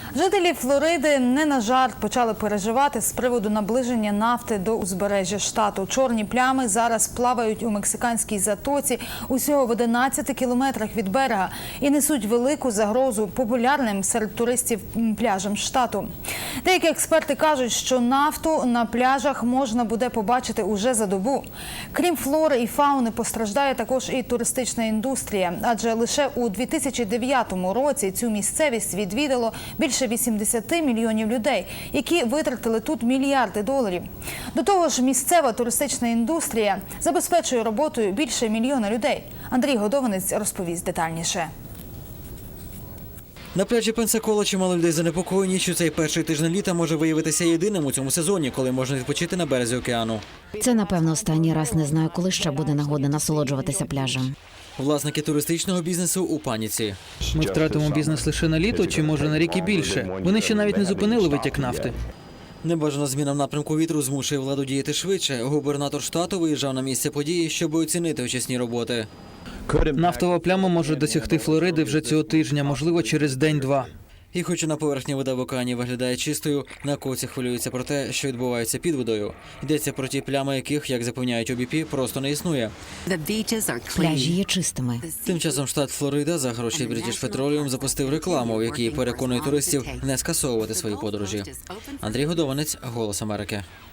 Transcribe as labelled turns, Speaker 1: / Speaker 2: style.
Speaker 1: Жителі Флориди не на жарт почали переживати з приводу наближення нафти до узбережжя штату. Чорні плями зараз плавають у мексиканській затоці усього в 11 кілометрах від берега і несуть велику загрозу популярним серед туристів пляжам штату. Деякі експерти кажуть, що нафту на пляжах можна буде побачити уже за добу. Крім флори і фауни, постраждає також і туристична індустрія, адже лише у 2009 році цю місцевість відвідало більше 80 мільйонів людей, які витратили тут мільярди доларів. До того ж, місцева туристична індустрія забезпечує роботою більше 1 мільйона людей. Андрій Годованець розповість детальніше.
Speaker 2: На пляжі Пенсакола чимало людей занепокоєні, що цей перший тиждень літа може виявитися єдиним у цьому сезоні, коли можна відпочити на березі океану.
Speaker 3: Це, напевно, останній раз. Не знаю, коли ще буде нагода насолоджуватися пляжем.
Speaker 2: Власники туристичного бізнесу у паніці.
Speaker 4: Ми втратимо бізнес лише на літо чи, може, на рік і більше. Вони ще навіть не зупинили витік нафти.
Speaker 2: Небажана зміна в напрямку вітру змушує владу діяти швидше. Губернатор штату виїжджав на місце події, щоб оцінити очисні роботи.
Speaker 4: Нафтова пляма може досягти Флориди вже цього тижня, можливо, через день-два.
Speaker 2: І хоча на поверхні вода в океані виглядає чистою, науковці хвилюються про те, що відбувається під водою. Йдеться про ті плями, яких, як запевняють ОБП, просто не існує.
Speaker 3: Пляжі є чистими.
Speaker 2: Тим часом штат Флорида за гроші British Petroleum запустив рекламу, в якій переконує туристів не скасовувати свої подорожі. Андрій Годованець, «Голос Америки».